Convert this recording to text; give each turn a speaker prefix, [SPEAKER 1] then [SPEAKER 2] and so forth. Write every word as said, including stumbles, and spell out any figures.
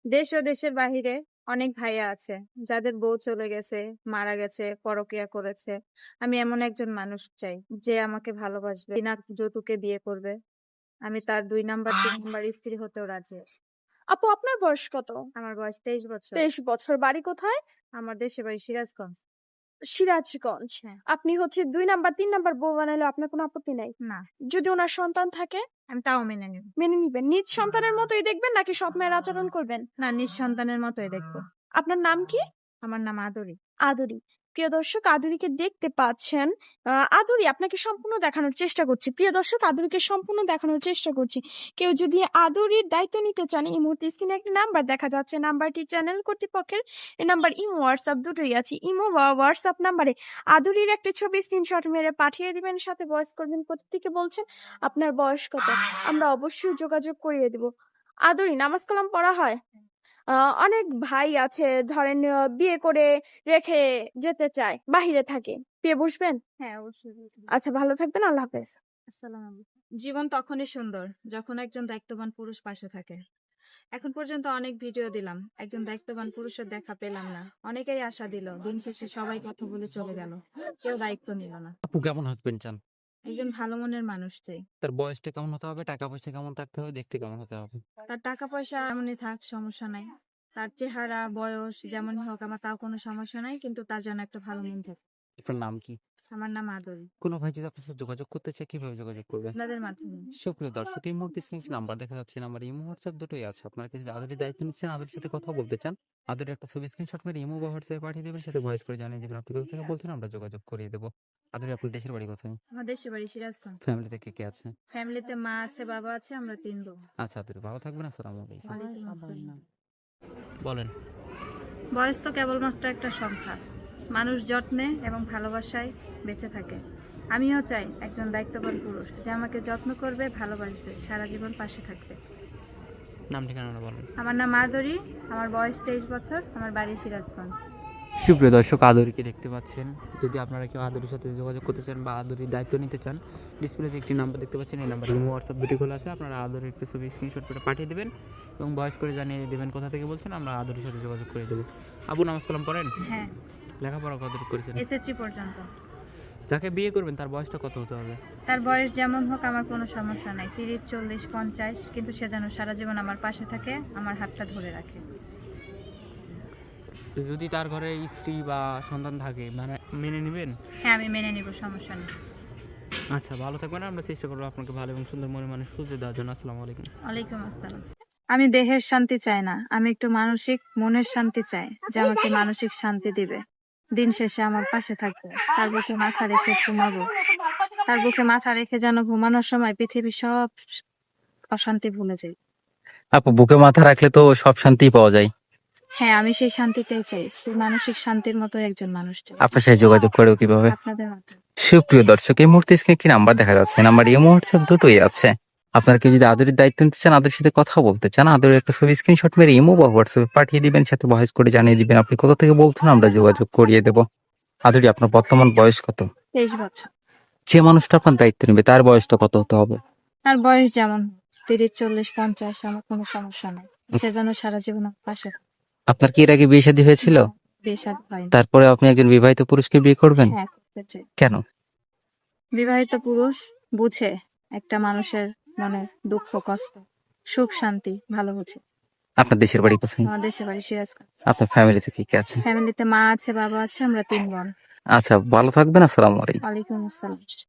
[SPEAKER 1] দেশ ও দেশের বাহিরে অনেক ভাইয়া আছে যাদের বউ চলে গেছে, মারা গেছে, পরকিয়া করেছে। আমি এমন একজন মানুষ চাই যে আমাকে ভালোবাসবে, বিনা যৌতুকে বিয়ে করবে। আমি তার দুই নাম্বার তিন নাম্বার স্ত্রী হতেও রাজি আছি।
[SPEAKER 2] আপু আপনার বয়স কত?
[SPEAKER 1] আমার বয়স তেইশ বছর।
[SPEAKER 2] তেইশ বছর। বাড়ি কোথায়?
[SPEAKER 1] আমার দেশের বাড়ি সিরাজগঞ্জ।
[SPEAKER 2] সিরাজগঞ্জ।
[SPEAKER 1] হ্যাঁ।
[SPEAKER 2] আপনি হচ্ছে দুই নাম্বার তিন নাম্বার বউ বানাইলে আপনার কোনো আপত্তি নাই?
[SPEAKER 1] না,
[SPEAKER 2] যদি ওনার সন্তান থাকে?
[SPEAKER 1] আমি তাও মেনে নিব।
[SPEAKER 2] মেনে নিবেন? নিজ সন্তানের মতোই দেখবেন নাকি সৎ মায়ের আচরণ করবেন?
[SPEAKER 1] না, নিজ সন্তানের মতোই দেখবো।
[SPEAKER 2] আপনার নাম কি?
[SPEAKER 1] আমার নাম আদরি।
[SPEAKER 2] আদুরি। প্রিয় দর্শক, আদুরিকে দেখতে পাচ্ছেন। আহ, আদুরি আপনাকে সম্পূর্ণ দেখানোর চেষ্টা করছি। প্রিয় দর্শক, আদুরিকে সম্পূর্ণ দেখানোর চেষ্টা করছি। কেউ যদি আদুরির দায়িত্ব নিতে চান, এই মুহূর্তে স্ক্রিনে একটি নাম্বার দেখা যাচ্ছে। নাম্বারটি চ্যানেল কর্তৃপক্ষের। এই নাম্বার ইমো হোয়াটসঅ্যাপ দুটোই আছে। ইমো বা হোয়াটসঅ্যাপ নাম্বারে আদুরির একটি ছবি স্ক্রিনশট মেরে পাঠিয়ে দিবেন, সাথে ভয়েস করবেন কোথা থেকে বলছেন, আপনার বয়স কত। আমরা অবশ্যই যোগাযোগ করিয়ে দিব। আদুরি, নামাজ কালাম পড়া হয়? আহ, অনেক ভাই আছে ধরেন আহ, বিয়ে করে রেখে যেতে চায়, বাহিরে থাকে, বিয়ে বসবেন?
[SPEAKER 1] হ্যাঁ, অবশ্যই বুঝবো।
[SPEAKER 2] আচ্ছা, ভালো থাকবেন, আল্লাহ হাফেজ।
[SPEAKER 1] আসসালামু আলাইকুম। জীবন তখনই সুন্দর যখন একজন দায়িত্ববান পুরুষ পাশে থাকে। এখন পর্যন্ত অনেক ভিডিও দিলাম, একজন দায়িত্ববান পুরুষের দেখা পেলাম না। অনেকেই আশা দিল, দিন শেষে সবাই কথা বলে চলে গেল, কেউ দায়িত্ব নিল না।
[SPEAKER 3] আপু কেমন হাজবেন্ড চান?
[SPEAKER 1] একজন ভালো মনের মানুষ চাই।
[SPEAKER 3] তার বয়সটা কেমন হতে হবে, টাকা পয়সা কেমন থাকতে হবে, দেখতে কেমন হতে হবে?
[SPEAKER 1] তার টাকা পয়সা এমনই থাক, সমস্যা নাই। তার চেহারা বয়স যেমন হোক আমার তাও কোনো সমস্যা নাই, কিন্তু তার জন্য একটা ভালো মন থাকে।
[SPEAKER 3] আপনার নাম কি?
[SPEAKER 1] আমার নাম আদরি।
[SPEAKER 3] কোনো ভাই যদি আপনার সাথে যোগাযোগ করতে চায় কিভাবে যোগাযোগ করবে?
[SPEAKER 1] আপনাদের মাধ্যমে।
[SPEAKER 3] সুপ্রিয় দর্শক, এই মুহূর্তে স্ক্রিনে একটি নাম্বার দেখা যাচ্ছে। নাম্বার ইমো হোয়াটসঅ্যাপ দুটোই আছে। আপনারা যদি আদরের দায়িত্ব নিচ্ছেন, আদরের সাথে কথা বলতে চান, আদরের একটা ছবি স্ক্রিনশট মেরে ইমো বা হোয়াটসঅ্যাপে পাঠিয়ে দেবেন, সাথে ভয়েস করে জানিয়ে দেবেন আপনি কোথা থেকে বলছেন, আমরা যোগাযোগ করিয়ে দেবো। আদরে, আপনার দেশের বাড়ি কোথায়?
[SPEAKER 1] আমার দেশের বাড়ি সিরাজগঞ্জ।
[SPEAKER 3] ফ্যামিলিতে কে কে আছে?
[SPEAKER 1] ফ্যামিলিতে মা আছে, বাবা আছে, আমরা তিন বোন।
[SPEAKER 3] আচ্ছা আদরে, ভালো থাকবেন। আসসালামু আলাইকুম।
[SPEAKER 1] ওয়ালাইকুম আসসালাম।
[SPEAKER 3] বলেন।
[SPEAKER 1] বয়স তো কেবলমাত্র একটা সংখ্যা। মানুষ যত্নে এবং ভালোবাসায় বেঁচে থাকে। আমিও চাই একজন দায়িত্ববান পুরুষ যে আমাকে যত্ন করবে, ভালোবাসবে, সারা জীবন পাশে থাকবে।
[SPEAKER 3] নাম ঠিকানা বলেন।
[SPEAKER 1] আমার নাম আদরি, আমার বয়স তেইশ বছর, আমার বাড়ি সিরাজগঞ্জ।
[SPEAKER 3] সুপ্রিয় দর্শক, আদরিকে দেখতে পাচ্ছেন। যদি আপনারা কেউ আদরির সাথে যোগাযোগ করতে চান বা আদরির দায়িত্ব নিতে চান, ডিসপ্লেতে একটি নাম্বার দেখতে পাচ্ছেন। এই নাম্বার ইমো হোয়াটসঅ্যাপ দুটি খোলা আছে। আপনারা আদরের একটি ছবি স্ক্রিনশট করে পাঠিয়ে দেবেন এবং ভয়েস করে জানিয়ে দেবেন কোথা থেকে বলছেন, আমরা আদরির সাথে যোগাযোগ করে দেবো। আবু, নামাজ কালাম পড়েন?
[SPEAKER 1] হ্যাঁ,
[SPEAKER 3] লেখাপড়া কতটুকু করেছেন?
[SPEAKER 1] এসএসসি পর্যন্ত।
[SPEAKER 3] যাকে বিয়ে করবেন তার বয়সটা কত হতে হবে?
[SPEAKER 1] তার বয়স যেমন হোক আমার কোনো সমস্যা নাই, তিরিশ চল্লিশ পঞ্চাশ, কিন্তু সে যেন সারা জীবন আমার পাশে থাকে, আমার হাতটা ধরে রাখে।
[SPEAKER 3] যদি তার ঘরে স্ত্রী বা সন্তান থাকে, মানে মেনে নেবেন?
[SPEAKER 1] হ্যাঁ, আমি মেনে নিব, সমস্যা নেই।
[SPEAKER 3] আচ্ছা, ভালো থাকবেন। আমরা চেষ্টা করবো আপনাকে ভালো এবং সুন্দর মনে মানুষ খুঁজে দেওয়ার জন্য। আসসালামু আলাইকুম।
[SPEAKER 1] ওয়ালাইকুম আসসালাম। আমি দেহের শান্তি চাই না, আমি একটু মানসিক মনের শান্তি চাই, যে আমাকে মানসিক শান্তি দিবে, দিন শেষে আমার পাশে থাকবে, তার বুকে মাথা রেখে ঘুমাবো, তার বুকে মাথা রেখে যেন ঘুমানোর সময় পৃথিবীর সব অশান্তি ভুলে যাই।
[SPEAKER 3] আপু, বুকে মাথা রাখলে তো সব শান্তি পাওয়া যায়।
[SPEAKER 1] হ্যাঁ, আমি সেই শান্তিটাই চাই, সেই মানসিক শান্তির মতো একজন মানুষ চাই।
[SPEAKER 3] আপনার সাথে যোগাযোগ করবো কিভাবে?
[SPEAKER 1] আপনাদের মাধ্যমে।
[SPEAKER 3] সুপ্রিয় দর্শক, এই মুহূর্তে স্ক্রিনে একটি নাম্বার দেখা যাচ্ছে। নাম্বার ইমো হোয়াটসঅ্যাপ দুটোই আছে। আপনারা কেউ যদি আদরের দায়িত্ব নিতে চান, আদরের সাথে কথা বলতে চান, আদরের একটা ছবি স্ক্রিনশট মেরে ইমো বা হোয়াটসঅ্যাপে পাঠিয়ে দিবেন, সাথে ভয়েস করে জানিয়ে দিবেন আপনি কোথা থেকে বলছেন, আমরা যোগাযোগ করিয়ে দেবো। আদরি, আপনার বর্তমান বয়স কত?
[SPEAKER 1] তেইশ বছর।
[SPEAKER 3] যে মানুষটা আপনার দায়িত্ব নেবে তার বয়সটা কত হতে হবে?
[SPEAKER 1] তার বয়স যেমন তিরিশ চল্লিশ পঞ্চাশ, আমার কোনো সমস্যা নাই, সে যেন সারা জীবন আমার পাশে থাকে।
[SPEAKER 3] আপনার কি এর আগে বিয়ে শাদী হয়েছিল?
[SPEAKER 1] বিয়ে শাদী হয়নি।
[SPEAKER 3] তারপরে আপনি একজন বিবাহিত পুরুষকে বিয়ে করবেন?
[SPEAKER 1] হ্যাঁ, করতে চাই।
[SPEAKER 3] কেন?
[SPEAKER 1] বিবাহিত পুরুষ বুঝে একটা মানুষের মনে দুঃখ কষ্ট, সুখ শান্তি ভালো বুঝে।
[SPEAKER 3] আপনার দেশের বাড়ি কোথায়?
[SPEAKER 1] আমার দেশের বাড়ি সিরাজগঞ্জ।
[SPEAKER 3] আপনার ফ্যামিলিতে কি কে আছে?
[SPEAKER 1] ফ্যামিলিতে মা আছে, বাবা আছে, আমরা তিন বোন।
[SPEAKER 3] আচ্ছা, ভালো থাকবেন। আসসালামু আলাইকুম।
[SPEAKER 1] ওয়ালাইকুম আসসালাম।